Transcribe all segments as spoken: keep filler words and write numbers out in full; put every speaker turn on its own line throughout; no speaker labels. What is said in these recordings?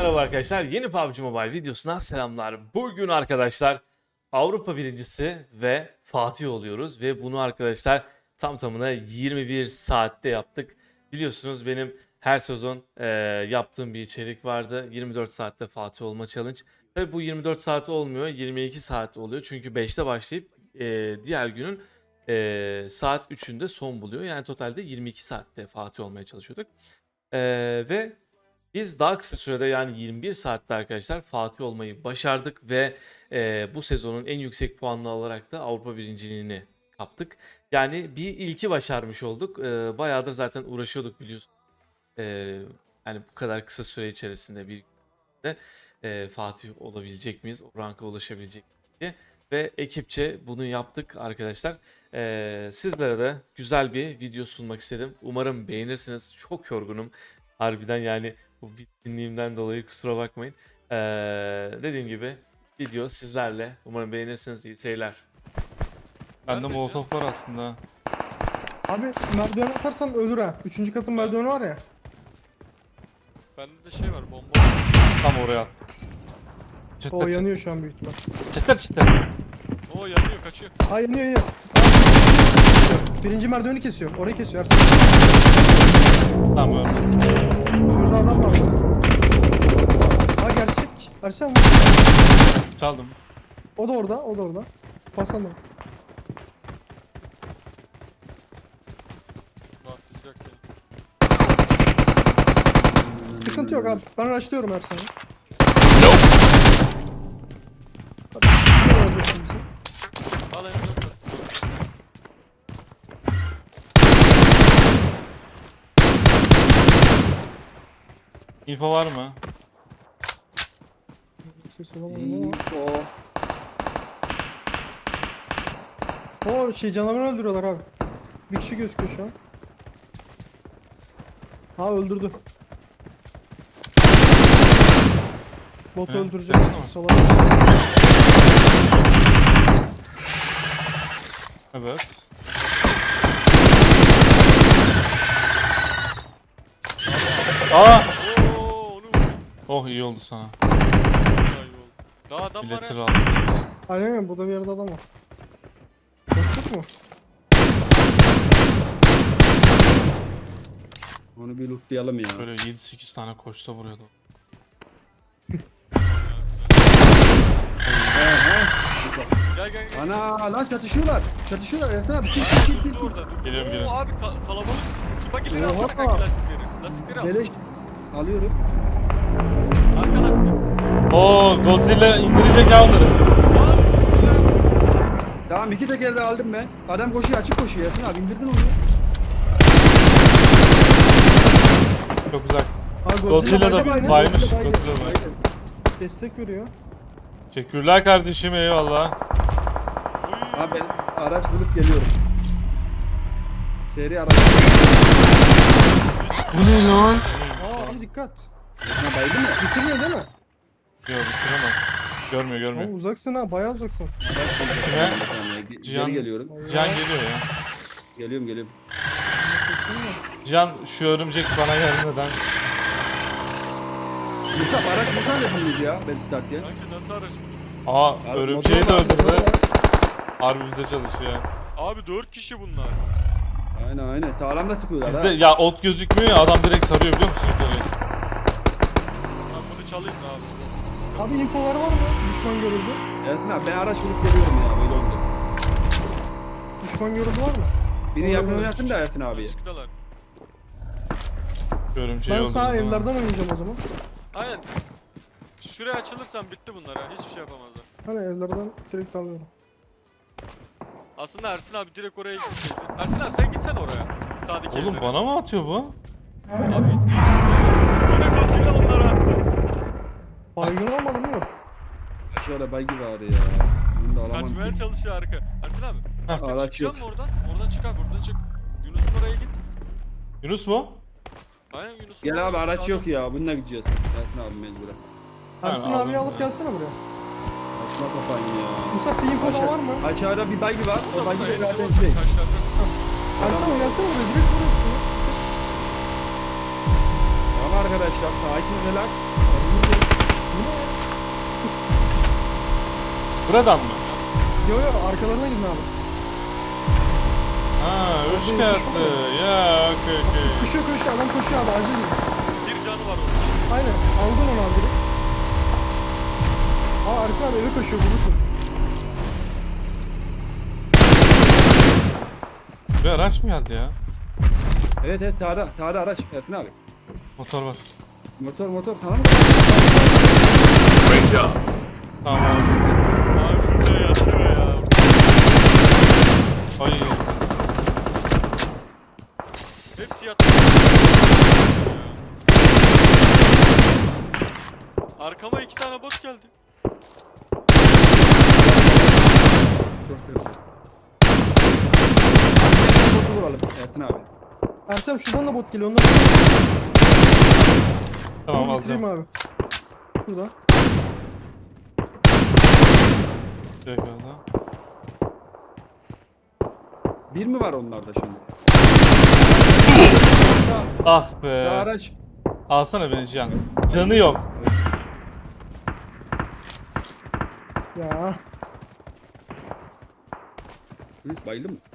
merhaba arkadaşlar. Yeni P U B G Mobile videosuna selamlar. Bugün arkadaşlar Avrupa birincisi ve Fatih oluyoruz. Ve bunu arkadaşlar tam tamına yirmi bir saatte yaptık. Biliyorsunuz benim her sezon e, yaptığım bir içerik vardı. yirmi dört saatte Fatih olma challenge. Tabi bu yirmi dört saat olmuyor, yirmi iki saat oluyor. Çünkü beşte başlayıp e, diğer günün e, saat üçünde son buluyor. Yani totalde yirmi iki saatte Fatih olmaya çalışıyorduk. E, ve biz daha kısa sürede yani yirmi bir saatte arkadaşlar Fatih olmayı başardık ve e, bu sezonun en yüksek puanını alarak da Avrupa birinciliğini kaptık. Yani bir ilki başarmış olduk. E, bayağıdır zaten uğraşıyorduk biliyorsun. E, yani bu kadar kısa süre içerisinde bir günde e, Fatih olabilecek miyiz? O ranka ulaşabilecek miyiz diye. Ve ekipçe bunu yaptık arkadaşlar. E, sizlere de güzel bir video sunmak istedim. Umarım beğenirsiniz. Çok yorgunum. Harbiden yani bu bitkinliğimden dolayı kusura bakmayın. Ee, dediğim gibi video sizlerle. Umarım beğenirsiniz. İyi seyirler.
Bende
Nerede
molotof var aslında.
Abi merdiven atarsan ölür ha. Üçüncü katın merdiveni var ya.
Bende de şey var, bomba.
Tam oraya attım.
O
Çıtır çıtır.
yanıyor şu an büyük ihtimal.
Çıtır çıtır.
Oo yanıyor, kaçıyor.
Ha yanıyor yanıyor. Abi, birinci merdiveni kesiyor. Orayı kesiyor Ersin.
Tamam öyle.
Şurada adam var. Ha gerçek. Ersin vur.
Çaldım.
O da orada. O da orada. Pasan da.
Rahatlayacak yani.
Sıkıntı yok abi. Ben rushlıyorum Ersin'i.
Al M dört.
İnfo var mı?
Ses olamadım ama. O şey canavarı öldürüyorlar abi. Bir kişi gözüküyor şu an. Ha öldürdü. Botu
He,
öldürecek.
sesli mi?
Salak.
Evet. Aa!
Oo onu vurdum.
Oh iyi oldu sana.
Daha iyi oldu. Daha adam var
Biletleri
ya.
aldım.
Aynen öyle. Burada bir yerde adam var. Boşluk mu?
Onu bir lootlayalım ya.
Böyle yedi sekiz tane koşsa vuruyordu.
Gel gel gel.
Ana lan çatışıyorlar. Çatışıyorlar. Ersin abi. Kill kill kill kill.
Dur orada. dur.
Geliyorum,
Oo
geliyorum.
abi ka- kalabalık. Şu bagileri
Oha.
alsana kanka lastikleri. Lastikleri al.
Beleş. Alıyorum.
Arka lastik.
Oo Godzilla indirecek ya onları.
Abi Godzilla.
Tamam iki teker de aldım ben. Adam koşuyor açık koşuyor. Ersin abi indirdin onu.
Çok uzak.
Ha,
Godzilla da
baydı,
baymış.
Godzilla baydı.
Godzilla baymış.
Destek veriyor.
Teşekkürler kardeşim, eyvallah.
Oy.
Abi ben araç bulup geliyorum. Seri araç.
Aa abi dikkat.
Ha baydı mı?
Bitirmiyor değil mi?
Yok bitiremez. Görmüyor
Ama
görmüyor.
uzaksın ha, bayağı uzaksın.
Araç bulup
Kime?
Geri
Cihan-
geliyorum.
Cihan geliyor ya.
Geliyorum geliyorum.
Cihan şu örümcek bana gelmeden.
Musa araç Musa yapılıydı ya ben tutarken.
Kanka nasıl araç?
Aa
Abi,
örümceği de
motor var,
öldürdü.
motor var.
Harbi bize çalışıyor.
Abi dört kişi bunlar.
Aynen aynen sağlam da sıkıyorlar
Bizde
ha.
ya ot gözükmüyor ya, adam direkt sarıyor biliyor musun? Böyle.
Ben bunu çalayım da abi.
Abi infolar var mı? Düşman görüldü.
Ersin abi ben araç bulup geliyorum ya böyle oldu.
Düşman görüldü var mı?
Biri yakın oynasın da Ersin abi.
Açıktalar.
Örümceği
Ben
öldürdü.
sağ
ha.
evlerden oynayacağım o zaman.
Aynen. Şuraya açılırsan bitti bunlar ha. Hiçbir şey yapamazlar.
Hani evlerden direkt alıyorum.
Aslında Ersin abi direkt oraya gitseydi. Ersin abi sen gitsen oraya. Sağdaki
Oğlum
evlere.
bana mı atıyor bu?
Abi yine Godzilla onları attı.
Baygın almadım mı? Yok.
Şöyle baygı var ya. Bunu da alamam
Kaçmaya
ki.
çalışıyor arka. Ersin abi.
Heh.
Artık
Araç
çıkacak
yok.
mı oradan? Oradan çık abi, oradan çık. Yunus'un oraya git.
Yunus mu?
Aynen Yunus'un
Gel
oraya
abi
git,
araç
sağdan.
yok ya bununla gideceğiz. Ersin abi mecburen.
Ersin
aldım
abiyi alıp
ya.
gelsene buraya.
Saçma sapan ya.
Musa bir info daha var mı?
Aşağıda bir baygı var.
Burada
O baygı
burada
da
hepsi
zaten
orada.
şey.
Taşlarda.
Ersin abi gelsene buraya, direkt buraya hepsini.
Tamam arkadaşlar sakin relax.
Buradan mı?
Yo yo arkalarına gidin abi.
Ha, üç
Orada yetiş
katlı. Ya, okey okey.
Koşuyor koşuyor adam koşuyor abi acil gidin.
Bir canı var orada.
Aynen aldın onu abi direkt. Aa Ersin abi eve koşuyor vurursun.
Bir araç mı geldi ya?
Evet evet sağda. Sağda araç. Ersin abi.
Motor var.
Motor motor tamam mı?
Tamam abi.
Abi şimdi yatsana ya.
Ay.
Hepsi yattı. Arkama iki tane bot geldi.
Çok sevdim. Motoru vuralım Ersin abi.
Ersin abi şuradan da bot geliyor onları
Tamam
Dur, bitireyim
alacağım.
abi. Şurada.
Direkt aldım.
Bir mi var onlarda şimdi?
Ah
Sağ
be.
araç.
Alsana beni Cihan. Canı yok.
Ya.
Biz bayıldı mı?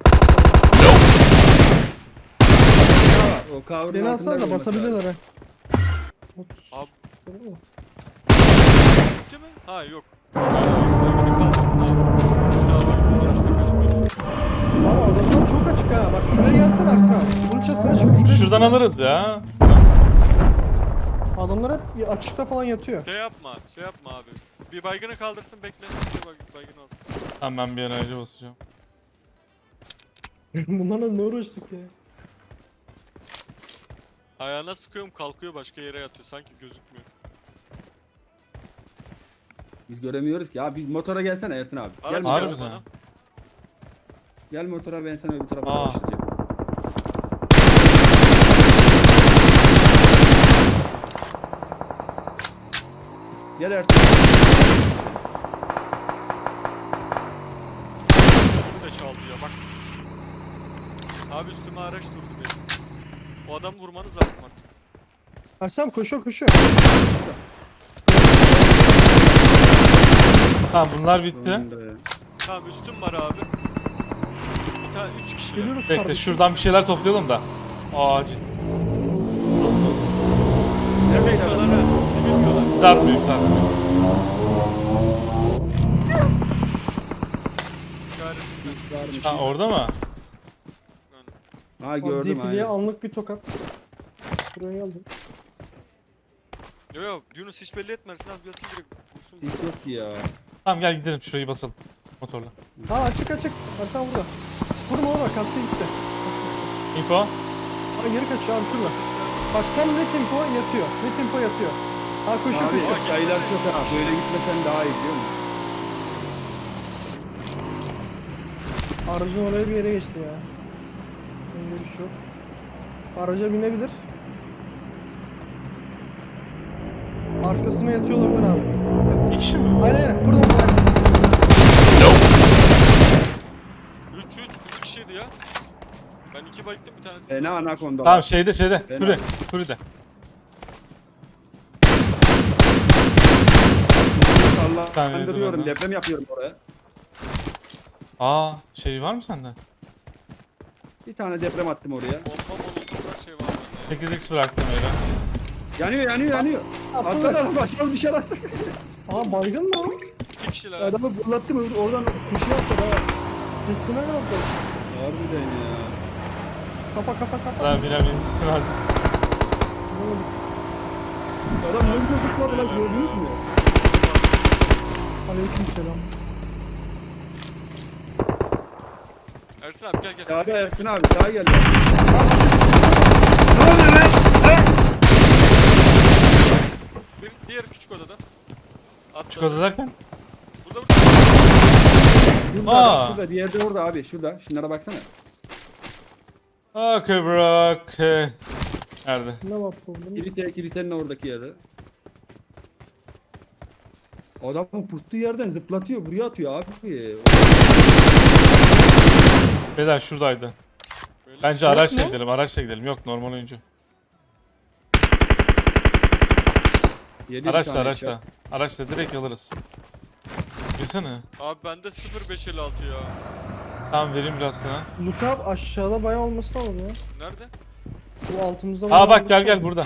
O kavurun
Beni
altında
alsana da
olması
basabilirler
lazım.
ha. otuz.
Abi
Tamam mı?
bitti mi? Ha yok. Beni kaldırsın abi. Bir daha var. Bu araçta kaçmayacağım.
Abi adamlar çok açık ha. Bak şuraya gelsene Ersin abi. Bunun çatısına çıkıp şuraya
Şuradan
çıksana.
alırız ya.
Adamlar hep açıkta falan yatıyor.
Şey yapma, şey yapma abi. Bir baygını kaldırsın bekle. Bir bay- baygın olsun.
Tamam ben bir enerji basacağım.
Bunlarla ne uğraştık ya.
Ayağına sıkıyorum kalkıyor başka yere yatıyor. Sanki gözükmüyor.
Biz göremiyoruz ki. Ya biz motora gelsene Ersin abi. Gel,
Araç
motora.
geldi
Harbiden.
bana.
Gel motora ben sana öbür tarafa
Aa.
başlayacağım. Gel Ersin.
Bu da çaldı ya bak. Abi üstüme araç durdu benim. O adamı vurmanız lazım artık.
Ersin abi koşuyor koşuyor.
Tamam bunlar bitti.
Sonunda.
Tamam üstüm var abi. Bir tane üç kişi.
Geliyoruz
Bekle
kardeşim.
şuradan bir şeyler toplayalım da. Acil.
Neredeydi
Bilmiyorlar
adam?
ha. Bilmiyorlar.
Sarmıyor sarmıyor.
İşaretimden.
Varmış.
Ha orada mı?
Yani.
Ha
Abi
gördüm
Dipili'ye
aynen.
anlık bir tokat. Buraya geldim.
Yo yo Yunus hiç belli etmersin abi gelsin direkt vursun.
Hiç yok ki ya.
Tamam gel gidelim şurayı basalım. Motorla.
Ha açık açık. Ersin abi burada. Vurma vurma kaskı gitti. Kaskı gitti.
Info.
Ha geri kaçıyor abi şurada. Bak tam ne tempo yatıyor. Ne tempo yatıyor. Ha koşuyor
Abi
koşuyor.
sayılar çok ha. Böyle gitmesen daha iyi biliyor musun?
Aracın oraya bir yere geçti ya. Ben görüş yok. Araca binebilir. Arkasına yatıyor olabilir abi. Dikkat.
Bir kişi mi?
Aynen aynen. Burada burada.
üç üç üç kişiydi ya. Ben iki bayılttım bir tanesi.
Fena anakonda.
Tamam şeyde şeyde.
Ben
Fury.
aldım.
Fury'de.
Sallandırıyorum.
Tamam,
Deprem yapıyorum oraya.
Aa şey var mı sende?
Bir tane deprem attım oraya.
Bomba molotov her şey var bende.
sekiz x bıraktım öyle.
Yanıyor yanıyor yanıyor. Atladı araba aşağı dışarı attı.
Aa baygın mı o?
İki kişiler.
Adamı fırlattım oradan köşeye attı ha.
Gitti ne oldu?
Harbiden ya.
Kapa kapa kapa.
Daha bire binsin hadi.
Adam ne güzel zıpladı lan gördünüz mü?
Aleyküm selam.
Ersin abi gel gel.
Sağda Erkin abi sağa geldi.
Bir, diğer küçük odada. Atladı.
Küçük oda derken?
Burada burada.
Şurada,
Aa.
şurada diğeri de orada abi şurada. Şunlara baksana.
Okay bro. Okay. Nerede?
Ne var problem?
Kilite, kilitenin oradaki yerde. Adamın pustuğu yerden zıplatıyor buraya atıyor abi.
Beyler şuradaydı.
Böyle
Bence
şey-
araçla
mu?
gidelim, araçla gidelim. Yok normal oyuncu.
Yedi bir
Araçla
tane
araçla.
headshot.
Araçla direkt alırız. Bilsene.
Abi bende sıfır beş elli altı ya.
Tamam vereyim biraz sana.
Loot up aşağıda bayağı olması lazım ya.
Nerede?
Bu altımızda
Aa
bayağı
bak gel
olması
gel
lazım.
burada.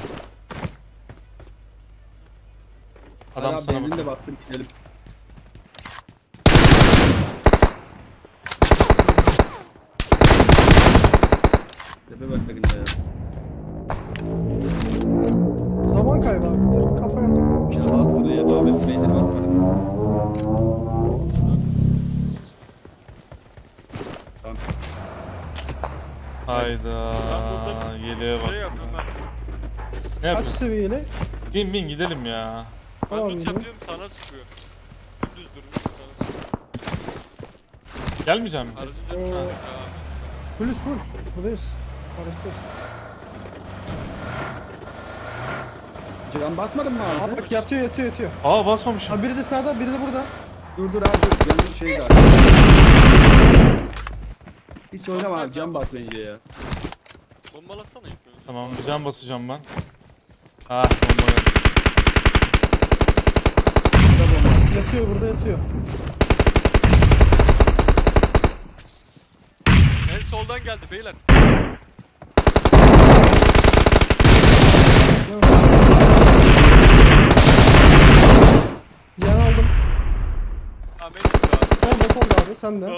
Adam
Hadi abi,
sana
benzin
bak.
de baktım gidelim. Tepe bak bakın ya.
Zaman kaybı abi. Dur, kafaya at.
Ya hatırlıyor abi benzin basmadım. Tamam.
Hayda.
Ben burada
Yeleğe
Şey
bak.
yap Ömer.
Ne
Kaç
yapıyorsun?
seviyeli?
Bin bin gidelim ya.
Ben
Tamam,
loot
yürü.
yapıyorum sana sıkıyor. Düz durmuş sana sıkıyor.
Gelmeyeceğim mi?
Aracın
Oo.
canı abi.
Polis full. Buradayız. Araçtayız.
Can basmadın mı abi?
Aa bak yatıyor yatıyor yatıyor.
Aa basmamışım.
Ha biri de sağda biri de burada.
Dur dur abi dur. Canın şey var. Hiç oynama
Basar
abi can
can.
bas bence ya.
Bombalasana ilk önce.
Tamam bir can basacağım ben. Ah bomba geldi.
Şurada bomba.
Yatıyor burada yatıyor.
En soldan geldi beyler.
Yan aldım.
Tamam en üstte abi.
Sen de sen de abi sen de.
Oy,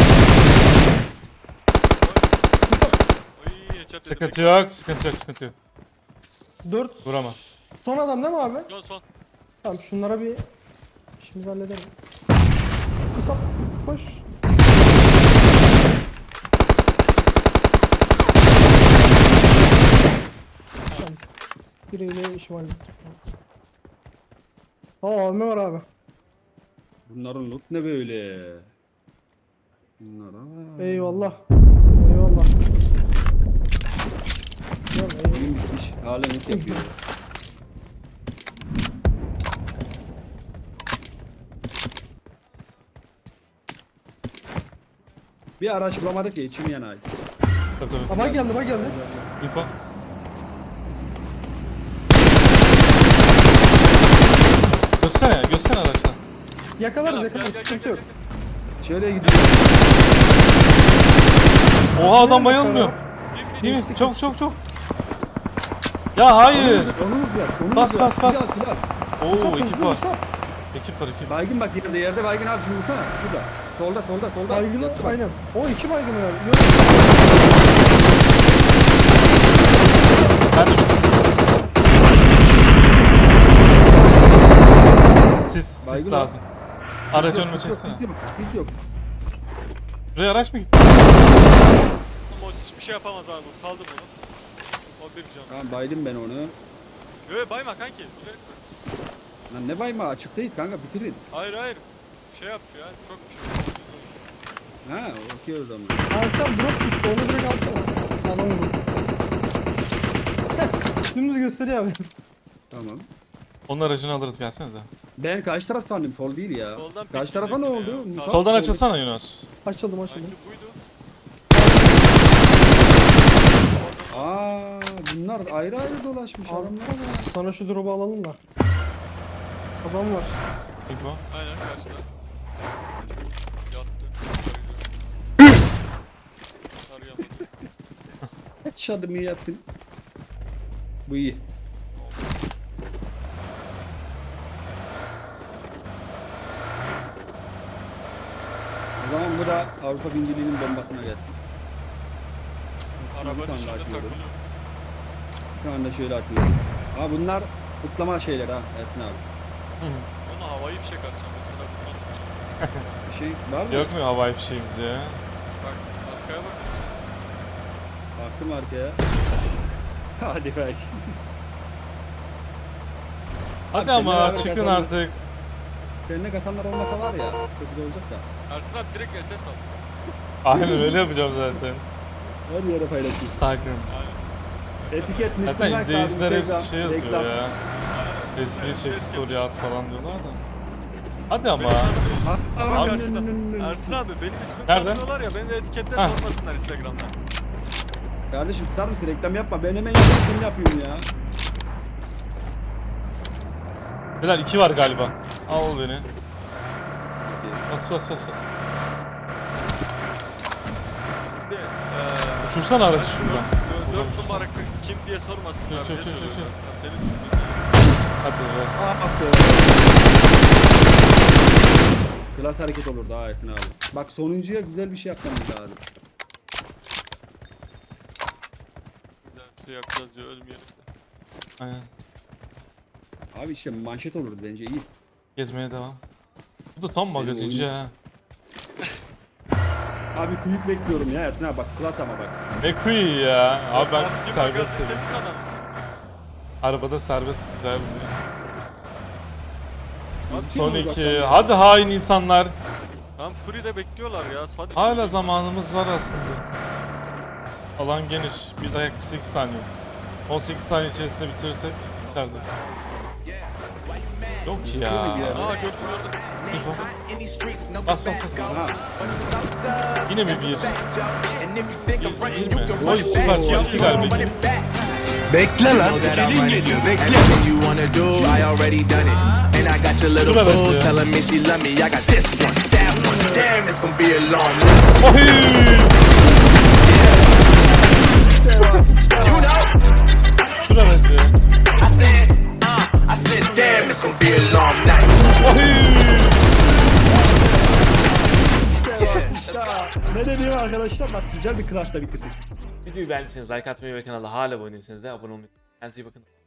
headshot dedim.
Sıkıntı yok, sıkıntı yok, sıkıntı yok.
Dört.
Vuramaz.
Son adam değil mi abi?
Son son.
Tamam şunlara bir işimizi halledelim. Kısa koş. Tamam. Biriyle işimi hallettim. Aa A V M var abi.
Bunların loot ne böyle? Bunlar aa.
Eyvallah. Eyvallah. Gel, eyvallah.
Oyun bitmiş. Hala loot yapıyor. Bir araç bulamadık ya içim yanay.
Tabii tabii.
Aa bak geldi bak geldi.
İnfo. Götsene, götsene araçtan.
Yakalarız
Gel abi,
yakalarız
gel, gel,
sıkıntı
gel,
yok.
gel,
Şöyle gidiyor.
Oha adam bayılmıyor.
gel. Bin, bin.
Değil mi? Çok çok çok. Ya hayır.
Onu vur ya. Onu
Bas,
vur ya.
bas, bas.
Silah, silah.
Oo
Musab,
ekip
hızlı
var.
Musab.
Ekip var ekip.
Baygın bak yerde yerde baygın abi şunu vursana. Şurada. Solda solda solda.
Baygını
Yattı bak.
aynen. O iki baygını var. Yok.
Ben de Sis, sis
Baygın
lazım. Aracı
Yok,
önüme
hiç yok,
çeksene.
hiç yok, hiç yok.
Buraya araç mı gitti?
Ama o hiçbir şey yapamaz abi bu. Saldım onu. O bir can.
Tamam baydım ben onu.
Yo bayma kanki. Bilerek koy.
Lan ne bayma açıktayız kanka bitirin.
Hayır hayır. Şey yap ya. Çok bir şey.
Ha okey o zaman.
Abi sen drop düştü onu direkt alsana. Adam vurdu. Dümdüz gösteriyor abi.
Tamam.
Onun aracını alırız gelsene de.
Ben karşı taraf sandım sol değil ya.
Soldan
Karşı tarafa ne
bekleyecektim
oldu?
ya.
Musa-
Soldan
Sol-
açılsana Yunus.
Açıldım açıldım.
Sanki buydu.
Aa bunlar ayrı ayrı dolaşmış
Abi,
adamlara bak.
sana şu drop'u alalım da. Adam var.
Info.
Aynen karşıda. Yattı. Arayamadım.
Headshot'ımı yersin. Bu iyi. O zaman bu da Avrupa birinciliğinin bombasına gelsin. Şimdi bir
Arabanın
tane
içinde
daha atıyorum.
takılıyormuş.
Bir tane de şöyle atıyorum. Ha bunlar kutlama şeyler ha Ersin abi.
Ona havayı fişek atacağım mesela bundan.
Bir şey var mı?
Yok mu havai fişeğimiz ya?
Bak arkaya bak.
Baktım arkaya. Hadi belki.
Hadi
seninle
ama
beraber
çıkın
kazandık.
artık.
Seninle kasanlar olmasa var ya çok güzel olacak da.
Ersin abi direkt S S al.
Aynen öyle yapacağım zaten.
Her yere paylaşayım.
Instagram.
Aynen.
Etiket
Zaten
Müslüman kaldı,
izleyiciler hepsi
Instagram,
şey yazıyor
reklam.
ya. Resmini çek story at falan diyorlar da. Hadi ama.
Ha,
Bak
ha,
karşıda.
nın, nın, nın.
Ersin abi benim ismimi
Nerede?
tanımıyorlar ya beni de etiketle
Ha.
sormasınlar Instagram'dan.
Kardeşim tutar mısın reklam yapma ben hemen yapayım seni yapıyorum ya.
Beyler iki var galiba. Al beni. Bas bas bas bas.
Bir de, eee,
Uçursana aracı şuradan.
dö-
Buradan
Dört
uçursana.
numara kim diye sormasınlar.
Çök,
Niye
çök, çök,
soruyorlar?
çök.
Sen- Seni düşündün.
Hadi be.
Aa bastı. Klas hareket olur daha Ersin abi. Bak sonuncuya güzel bir şey yapmamız lazım.
Güzel bir şey yapacağız diye ölmeyelim de.
Aynen.
Abi işte manşet olur bence iyi.
Gezmeye devam. Bu da tam magazinci
oyun-
ha.
Abi kuyuk bekliyorum ya Ersin abi bak klas ama bak.
Ne kuyu ya. Abi ben
Abdi
serbest
magazin
seviyorum.
senin adam mısın?
Arabada serbest güzel bir
Abi,
Son
Kim
iki.
olacak
Hadi hain insanlar.
Tam Fury'de bekliyorlar ya. Hadi
Hala
şunu-
zamanımız var aslında. Alan geniş. Bir dakika kırk sekiz saniye. on sekiz saniye içerisinde bitirirsek içerideyiz. Yok ki ya.
Aa, bir
Aa gördüm gördüm.
İnfo. Bas bas bas.
Aha.
Yine mi bir? Bir, bir mi? Oy süper. iki galiba. iki.
Bekle lan. Gelin geliyor. Bekle. Everything you wanna do, I already done it. And I got your little
Şuna bak
boo
ya.
telling me she love me. I got this one, that one. Damn, it's gonna be a long night.
Oy!
You know,
Şuna bence.
I said, uh, I said, damn, it's gonna be a long night.
Oy!
Ne diyeyim arkadaşlar bak güzel bir klasla bitirdik.
Videoyu beğendiyseniz like atmayı ve kanala hala abone değilseniz de abone olmayı unutmayın. Kendinize iyi bakın.